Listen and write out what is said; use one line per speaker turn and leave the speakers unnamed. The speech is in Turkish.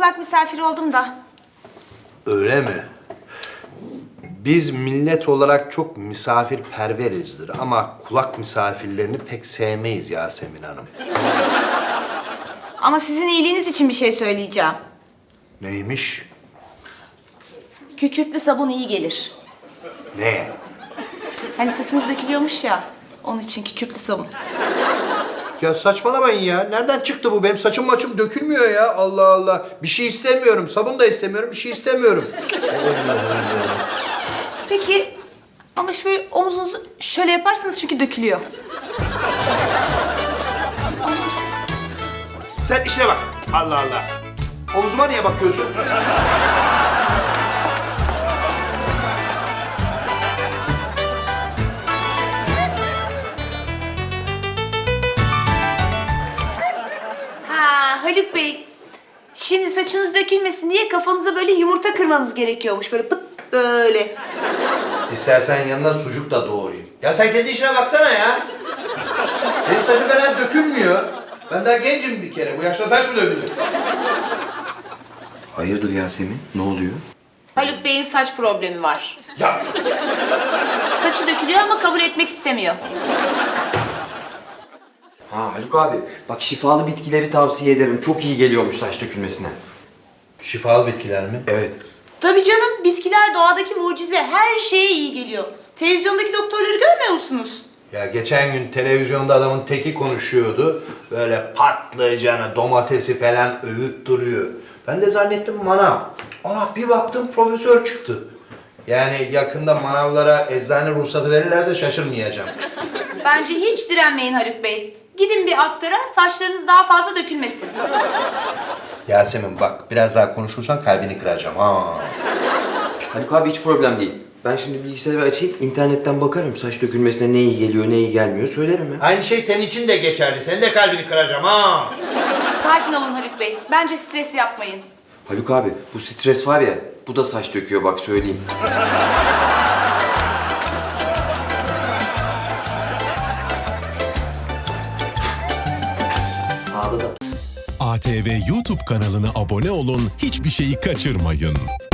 kulak misafiri oldum da.
Öyle mi? Biz millet olarak çok misafirperverizdir ama kulak misafirlerini pek sevmeyiz Yasemin Hanım.
Ama sizin iyiliğiniz için bir şey söyleyeceğim.
Neymiş?
Kükürtlü sabun iyi gelir.
Ne?
Hani saçınız dökülüyormuş ya, onun için kükürtlü sabun.
Ya saçmalamayın ya. Nereden çıktı bu? Benim saçım maçım dökülmüyor ya. Allah Allah. Bir şey istemiyorum. Sabun da istemiyorum. Bir şey istemiyorum.
Peki, ama şöyle omuzunuzu şöyle yaparsanız çünkü dökülüyor.
Sen işine bak. Allah Allah. Omuzuma niye bakıyorsun?
Ha Haluk Bey, şimdi saçınız dökülmesin diye kafanıza böyle yumurta kırmanız gerekiyormuş. Böyle pıt böyle.
İstersen yanına sucuk da doğrayayım. Ya sen kendi işine baksana ya. Benim saçım falan dökülmüyor. Ben daha gencim bir kere. Bu yaşta saç mı dökülür?
Hayırdır Yasemin? Ne oluyor?
Haluk Bey'in saç problemi var.
Ya
Saçı dökülüyor ama kabul etmek istemiyor.
Ha Haluk abi, bak şifalı bitkileri tavsiye ederim. Çok iyi geliyormuş saç dökülmesine.
şifalı bitkiler mi?
Evet.
Tabii canım, bitkiler doğadaki mucize. Her şeye iyi geliyor. Televizyondaki doktorları görmüyor musunuz?
Ya geçen gün televizyonda adamın teki konuşuyordu. Böyle patlıcanı, domatesi falan övüp duruyor. Ben de zannettim manav. Ana bir baktım profesör çıktı. Yani yakında manavlara eczane ruhsatı verirlerse şaşırmayacağım.
Bence hiç direnmeyin Haluk Bey. Gidin bir aktara, saçlarınız daha fazla dökülmesin.
Yasemin bak biraz daha konuşursan kalbini kıracağım ha.
Haluk abi hiç problem değil. Ben şimdi bilgisayarı açayım, internetten bakarım. Saç dökülmesine ne iyi geliyor, ne iyi gelmiyor söylerim ya.
Aynı şey senin için de geçerli. Senin de kalbini kıracağım ha.
Sakin olun Haluk Bey. Bence stres yapmayın.
Haluk abi, bu stres var ya, bu da saç döküyor bak söyleyeyim. Sağda da.
ATV YouTube kanalına abone olun, hiçbir şeyi kaçırmayın.